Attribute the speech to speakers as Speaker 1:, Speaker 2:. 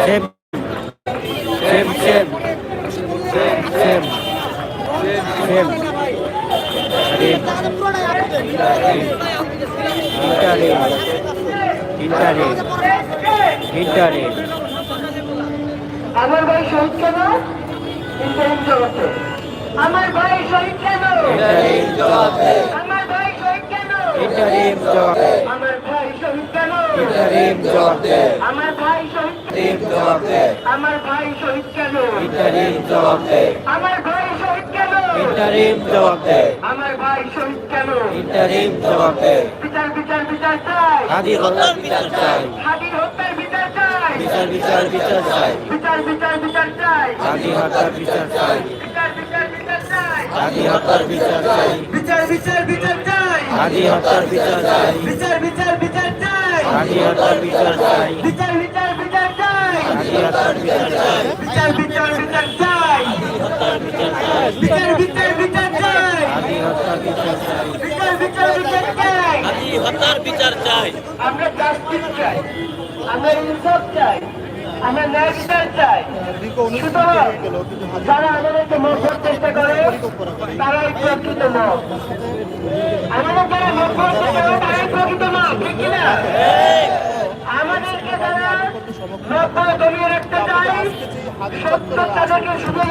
Speaker 1: Same same same same same ইন্টারেট
Speaker 2: আমার ভাই শহীদ কেন? ইন্টারিম জবাবে। আমার ভাই শহীদ কেন?
Speaker 1: ইন্টারিম জবাবে
Speaker 2: আমার ভাই শহীদ কেন?
Speaker 1: ইন্টারিম জবাবে
Speaker 2: আমার ভাই শহীদ কেন?
Speaker 1: ইন্টারিম জবাবে
Speaker 2: আমার ভাই শহীদ
Speaker 1: ইন্টারিম জবাবে
Speaker 2: আমার ভাই শহীদ কেন?
Speaker 1: ইন্টারিম জবাবে
Speaker 2: আমার ভাই শহীদ কেন?
Speaker 1: ইন্টারিম জবাবে
Speaker 2: আমার ভাই শহীদ কেন?
Speaker 1: ইন্টারিম জবাবে
Speaker 2: বিচার বিচার বিচার চাই।
Speaker 1: হাদি হত্যার বিচার চাই
Speaker 2: হাদির হত্যার বিচার চাই।
Speaker 1: বিচার বিচার বিচার চাই
Speaker 2: বিচার বিচার বিচার চাই।
Speaker 1: হাদি হত্যার বিচার চাই
Speaker 2: বিচার বিচার বিচার চাই।
Speaker 1: হাদি হত্যার বিচার চাই
Speaker 2: বিচার বিচার বিচার চাই।
Speaker 1: হাদি হত্যার বিচার চাই
Speaker 2: বিচার বিচার বিচার চাই।
Speaker 1: হাদি হত্যার বিচার চাই
Speaker 2: বিচার বিচার বিচার চাই।
Speaker 1: হাদি হত্যার বিচার চাই
Speaker 2: বিচার বিচার বিচার চাই। বিচার বিচার বিচার চাই।
Speaker 1: হাদি হত্যার বিচার চাই
Speaker 2: বিচার বিচার বিচার চাই।
Speaker 1: হাদি হত্যার বিচার চাই
Speaker 2: আমরা জাস্টিস চাই। আমরা ইনসাফ চাই। আমরা ন্যায় বিচার চাই। সুতরাং যারা আমাদেরকে মধ্যের চেষ্টা করে তারাই প্রকৃত মত। আমাদের যারা মধ্যের চেষ্টা করে তারাই প্রকৃত মত, ঠিক কিনা? আমাদেরকে যারা মধ্যে দমিয়ে রাখতে চায় সত্য তাদেরকে শুধু